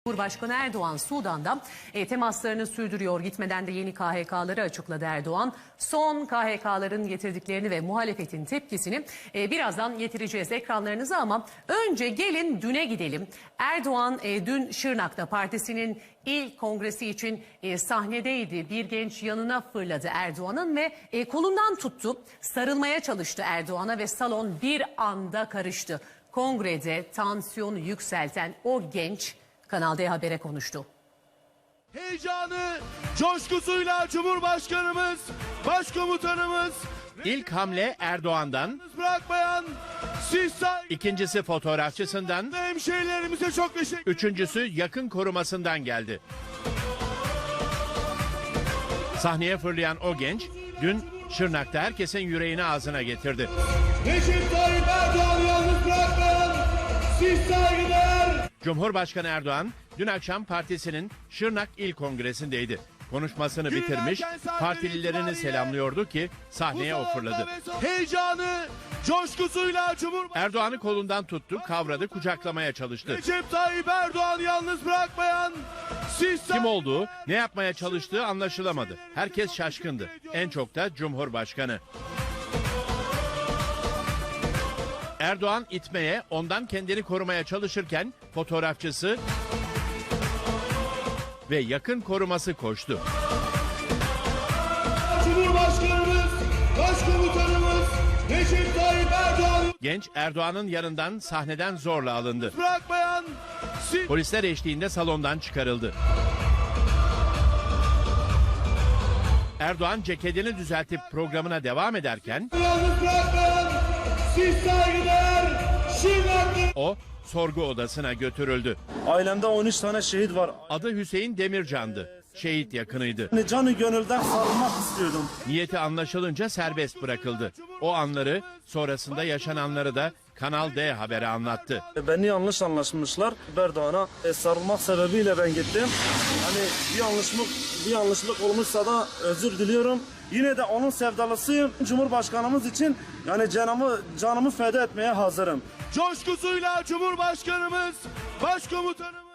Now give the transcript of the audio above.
Cumhurbaşkanı Erdoğan Sudan'da temaslarını sürdürüyor. Gitmeden de yeni KHK'ları açıkladı Erdoğan. Son KHK'ların getirdiklerini ve muhalefetin tepkisini birazdan getireceğiz ekranlarınıza ama önce gelin düne gidelim. Erdoğan dün Şırnak'ta partisinin ilk kongresi için sahnedeydi. Bir genç yanına fırladı Erdoğan'ın ve kolundan tuttu. Sarılmaya çalıştı Erdoğan'a ve salon bir anda karıştı. Kongrede tansiyonu yükselten o genç Kanal D Haber'e konuştu. Heyecanı, coşkusuyla Cumhurbaşkanımız, Başkomutanımız... İlk hamle Erdoğan'dan, bırakmayan siz ikincisi fotoğrafçısından, hemşehrilerimize çok teşekkür. üçüncüsü yakın korumasından geldi. Sahneye fırlayan o genç, dün Şırnak'ta herkesin yüreğini ağzına getirdi. Recep Tayyip Erdoğan'ı yalnız bırakmayan siz saygıdeğer. Cumhurbaşkanı Erdoğan dün akşam partisinin Şırnak İl Kongresi'ndeydi. Konuşmasını bitirmiş, partililerini selamlıyordu ki sahneye o fırladı. Heyecanı, coşkusuyla Erdoğan'ı kolundan tuttu, kavradı, kucaklamaya çalıştı. Recep Tayyip Erdoğan'ı yalnız bırakmayan siz Kim olduğu, ne yapmaya çalıştığı anlaşılamadı. Herkes şaşkındı. En çok da Cumhurbaşkanı. Erdoğan itmeye, ondan kendini korumaya çalışırken fotoğrafçısı ve yakın koruması koştu. Cumhurbaşkanımız, Başkomutanımız Recep Tayyip Erdoğan Genç Erdoğan'ın yanından sahneden zorla alındı. bırakmayan siz Polisler eşliğinde salondan çıkarıldı. Erdoğan ceketini düzeltip programına devam ederken yalnız bırakmayan siz saygıdeğer Şırnaklı. o sorgu odasına götürüldü. Ailemde 13 tane şehit var. Adı Hüseyin Demircan'dı. Şehit yakınıydı. Canı gönülden sarılmak istiyordum. Niyeti anlaşılınca serbest bırakıldı. O anları, sonrasında yaşananları da Kanal D Haber'e anlattı. Beni yanlış anlaşmışlar. Erdoğan'a sarılmak sebebiyle ben gittim. Hani bir yanlışlık olmuşsa da özür diliyorum. Yine de onun sevdalısıyım. Cumhurbaşkanımız için yani canımı feda etmeye hazırım. Coşkusuyla Cumhurbaşkanımız, Başkomutanımız